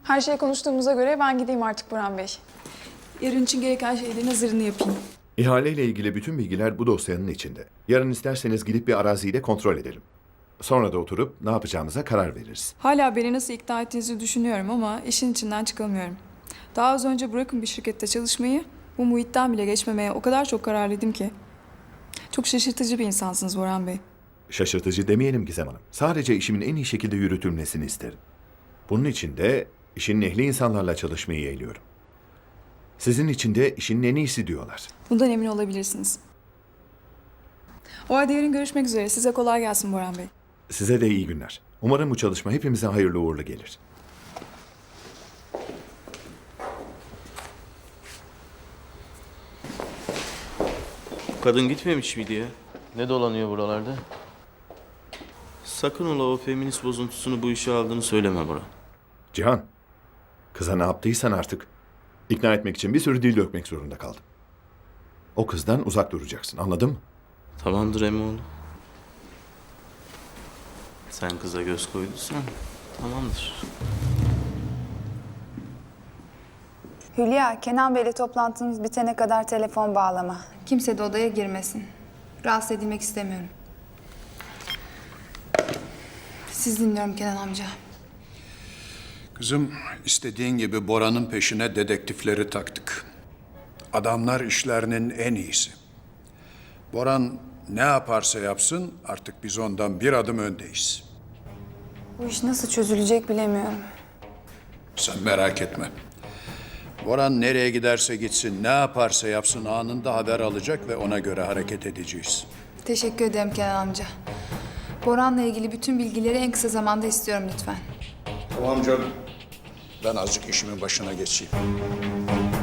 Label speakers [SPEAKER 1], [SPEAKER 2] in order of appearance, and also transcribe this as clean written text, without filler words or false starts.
[SPEAKER 1] Her şeyi konuştuğumuza göre ben gideyim artık Burhan Bey. Yarın için gereken şeylerin hazırını yapayım.
[SPEAKER 2] İhaleyle ilgili bütün bilgiler bu dosyanın içinde. Yarın isterseniz gidip bir araziyi de kontrol edelim. Sonra da oturup ne yapacağımıza karar veririz.
[SPEAKER 1] Hala beni nasıl ikna ettiğinizi düşünüyorum ama işin içinden çıkamıyorum. Daha az önce bırakın bir şirkette çalışmayı, bu muhitten bile geçmemeye o kadar çok kararlıydım ki. Çok şaşırtıcı bir insansınız Burhan Bey.
[SPEAKER 2] Şaşırtıcı demeyelim Gizem Hanım. Sadece işimin en iyi şekilde yürütülmesini isterim. Bunun için de işin ehli insanlarla çalışmayı yeğliyorum. Sizin için de işin en iyisi diyorlar.
[SPEAKER 1] Bundan emin olabilirsiniz. O halde yarın görüşmek üzere. Size kolay gelsin Burhan Bey.
[SPEAKER 2] Size de iyi günler. Umarım bu çalışma hepimize hayırlı uğurlu gelir.
[SPEAKER 3] Kadın gitmemiş miydi ya?
[SPEAKER 4] Ne dolanıyor buralarda?
[SPEAKER 3] Sakın ola o feminist bozuntusunu bu işe aldığını söyleme Bora.
[SPEAKER 2] Cihan, kıza ne yaptıysan artık ikna etmek için bir sürü dil dökmek zorunda kaldım. O kızdan uzak duracaksın, anladın mı?
[SPEAKER 3] Tamamdır Emoğlu. Sen kıza göz koyduysan tamamdır.
[SPEAKER 5] Hülya, Kenan Bey'le toplantınız bitene kadar telefon bağlama. Kimse de odaya girmesin. Rahatsız edilmek istemiyorum. Siz dinliyorum Kenan amca.
[SPEAKER 6] Kızım, istediğin gibi Bora'nın peşine dedektifleri taktık. Adamlar işlerinin en iyisi. Boran ne yaparsa yapsın artık biz ondan bir adım öndeyiz.
[SPEAKER 5] Bu iş nasıl çözülecek bilemiyorum.
[SPEAKER 6] Sen merak etme. Boran nereye giderse gitsin, ne yaparsa yapsın anında haber alacak ve ona göre hareket edeceğiz.
[SPEAKER 5] Teşekkür ederim Kenan amca. Boran'la ilgili bütün bilgileri en kısa zamanda istiyorum lütfen.
[SPEAKER 6] Tamam canım. Ben azıcık işimin başına geçeyim.